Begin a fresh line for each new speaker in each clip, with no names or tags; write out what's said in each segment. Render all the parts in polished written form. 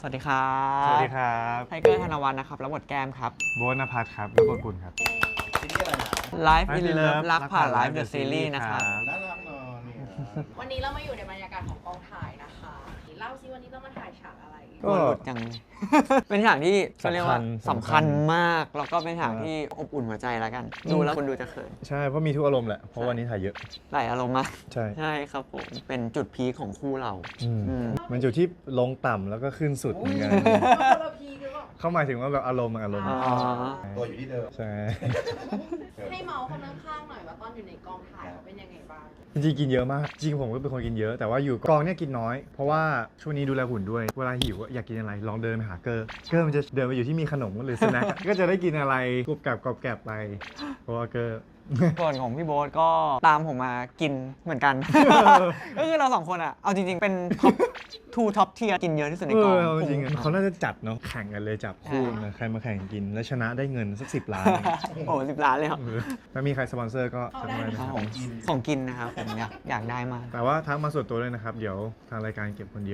สวัสดีครับ
สวัสดีครับ
ไทเกอร์ธนวัฒน์นะครับรับบทแก้มครับ
โบ๊ทนภัสครับรับบทปุ่นครับ
ซีรีส์อะไรนะ
Life in Love รักผ่าน Life the Series นะครับ
น่ารักเนอะเนี่ย
วันนี้เรามาอยู่ในบรรยากาศของกองถ่ายนะคะเล่าซิวันนี้เรามาถ่ายฉากอะไร
ก็หลุดจังเลย เป็นฉากที่เขาเรียกว่า
สำคัญ
สำคัญมาก แล้วก็เป็นฉากที่อบอุ่นหัวใจแล้วกัน ดูแล้วคนดูจะเขิน
ใช่เพราะมีทุกอารมณ์แหละเพราะวันนี้ถ่ายเยอะ
หลายอารมณ์มาก
ใช่
ใช่ครับผม เป็นจุดพีคของคู่เรา อืม
มันจุดที่ลงต่ำแล้วก็ขึ้นสุดเหมือนกัน
คนละพีหรือเปล่า
เข้าหมายถึงว่าแบบอารมณ์
อ๋อ
ตัวอยู่ที่เดิม
ใช่
ให้เมาส์คนข้างๆหน่อยว่าตอนอยู่ในกองถ่ายเขาเป็นยังไงบ้าง
จริงๆกินเยอะมากจริงผมก็เป็นคนกินเยอะแต่ว่าอยู่กองเนี่ยกินน้อย เพราะว่าช่วงนี้ดูแลหุ่นด้วยเวลาหิวอยากกินอะไรลองเดินไปหาเกอร์มันจะเดินไปอยู่ที่มีขนมหรือสแน็ค ก็จะได้กินอะไรกรุบกรอบไปเพราะว่าเกอร์
ส่วนของพี่โบ๊ทก็ตามผมมากินเหมือนกัน ก็คือเราสองคนอะเอาจริงๆ เป็นท็อป2ท็อปเทียกินเยอะที่สุดในกอง
จริง
ผม
ๆเขาน่าจะจัดเนาะแข่งกันเลยจับคู่นะใครมาแข่งกินแล้วชนะได้เงินสัก10 ล้าน
โอ้10 ล้านเลยครับ
ถ้ามีใครสปอนเซอร์ก็ทักมานะ
ค
ค
รั
รั
บบ ผมของกินนะครับผมอยากได้มาก
แต่ว่าทักมาส่วนตัวเลยนะครับ เดี๋ยวทางรายการเก็บคนเดียว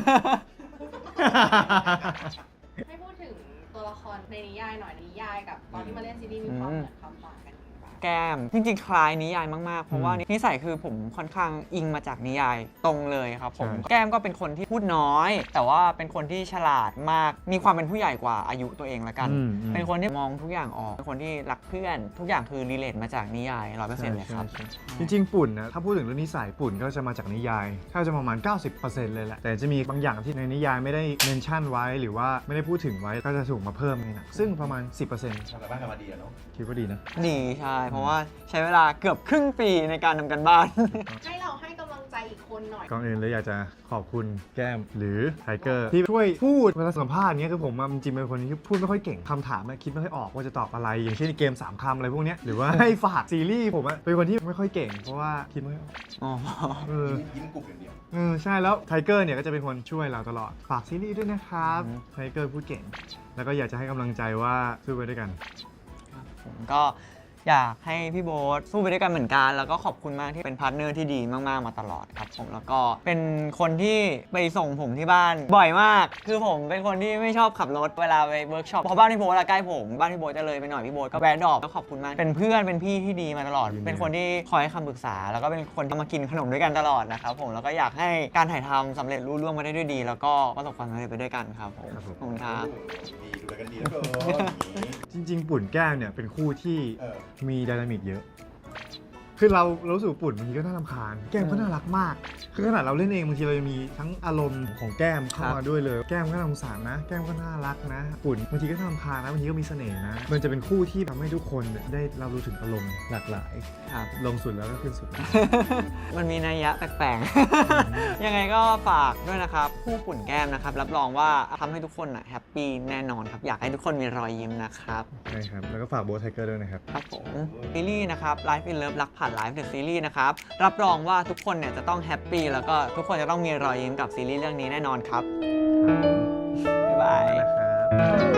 ให้พูดถึงตัวละครในนิยายหน่อยนิยายกับตอนที่มาเล่นซีรีส์มีความเหมือนความต่างกันยังไงบ้าง
แก้มจริงๆ คล้ายนิยายมากๆ เพราะว่านิสัยคือผมค่อนข้างอิงมาจากนิยายตรงเลยครับผม
ใช่
แก้มก็เป็นคนที่พูดน้อย แต่ว่าเป็นคนที่ฉลาดมาก มีความเป็นผู้ใหญ่กว่าอายุตัวเองละกัน เป็นคนที่มองทุกอย่างออก เป็นคนที่รักเพื่อน ทุกอย่างคือรีเลทมาจากนิยาย 100% เลยครับ
ใช่จริงๆ ปุ่นนะถ้าพูดถึงเรื่องนิสัยปุ่นก็จะมาจากนิยายถ้าจะประมาณ 90% เลยแหละ แต่จะมีบางอย่างที่ในนิยายไม่ได้เมนชั่นไว้หรือว่าไม่ได้พูดถึงไว้ก็จะถูกมาเพิ่มในหนังซึ่งประมาณ 10%
ทำกันบ้านกันมาดีอะเนาะ
คิดว่าดีนะ
ดีใช่ เพราะว่าใช้เวลาเกือบครึ่งปีในการทำกันบ้าน
ให้เราให้กำลังใจอีกคนหน่อย
ก่อนอื่นเลยอยากจะขอบคุณแก้มหรือไทเกอร์ที่ช่วยพูดเวลาสัมภาษณ์เงี้ยคือผมจริงๆเป็นคนที่พูดไม่ค่อยเก่งคำถามคิดไม่ค่อยออกว่าจะตอบอะไร อย่างเช่นเกม3 คำอะไรพวกเนี้ยหรือว่าให้ฝากซีรีส์ผมเป็นคนที่ไม่ค่อยเก่งเพราะว่าคิดไม่ค่อยออก
อ๋อ
เออ
ยิ้มกรุบอย่างเดียว
ใช่แล้วไทเกอร์เนี่ยก็จะเป็นคนช่วยเราตลอดฝากซีรีส์ด้วยนะครับไทเกอร์พูดเก่ง แล้วก็อยากจะให้กำลังใจว่าสู้ไปด้วยกัน
ผมก็อยากให้พี่โบ๊ทสู้ไปด้วยกันเหมือนกัน แล้วก็ขอบคุณมากที่เป็นพาร์ทเนอร์ที่ดีมากๆมาตลอดครับผมแล้วก็เป็นคนที่ไปส่งผมที่บ้านบ่อยมาก คือผมเป็นคนที่ไม่ชอบขับรถเวลาไปเวิร์กช็อปเพราะบ้านพี่โบ๊ทใกล้ผมบ้านพี่โบ๊ทจะเลยไปหน่อยพี่โบ๊ทก็แวะดรอปแล้วขอบคุณมากเป็นเพื่อนเป็นพี่ที่ดีมาตลอด เป็นคนที่คอยให้คำปรึกษา แล้วก็เป็นคนที่มากินขนมด้วยกันตลอดนะครับผมแล้วก็อยากให้การถ่ายทำสำเร็จรุ่ร่วงมาได้ด้วยดี แล้วก็ประสบความสำเร็จไปด้วยกันครับผม
ครับผม
ขอบคุณครับ
ดีดูแลกันดีแล้วก็
จริง ๆ ปุ่นแก้มเนี่ยเป็นคู่ที่
เออ
มีไดนามิกเยอะ คือเรารู้สึกว่าปุ่นบางทีก็น่ารำคาญ แก้มก็น่ารักมาก คือขนาดเราเล่นเองบางทีเราจะมีทั้งอารมณ์ของแก้มเข้ามาด้วยเลย แก้มก็น่าสงสารนะ แก้มก็น่ารักนะ ปุ่นบางทีก็น่ารำคาญนะบางทีก็มีเสน่ห์นะ มันจะเป็นคู่ที่ทำให้ทุกคนได้รับรู้ถึงอารมณ์หลากหลาย
ครับ
ลงสุดแล้วก็ขึ้นสุด
มันมีนัยยะแปลกๆ ยังไงก็ฝากด้วยนะครับคู่ปุ่นแก้มนะครับ รับรองว่าทำให้ทุกคนแฮปปี้แน่นอนครับ อยากให้ทุกคนมีรอยยิ้มนะครับ
ใช่ครับ แล้วก็ฝากโบทไทเกอร์ด้วยนะครับ
ครับผมซีรีส์นะครับ Life in Love รักผ่าน Life the Series นะครับ รับรองว่าทุกคนเนี่ยจะต้องแฮปปี้แล้วก็ทุกคนจะต้องมีรอยยิ้มกับซีรีส์เรื่องนี้แน่นอนครับ บ๊ายบาย
นะครับ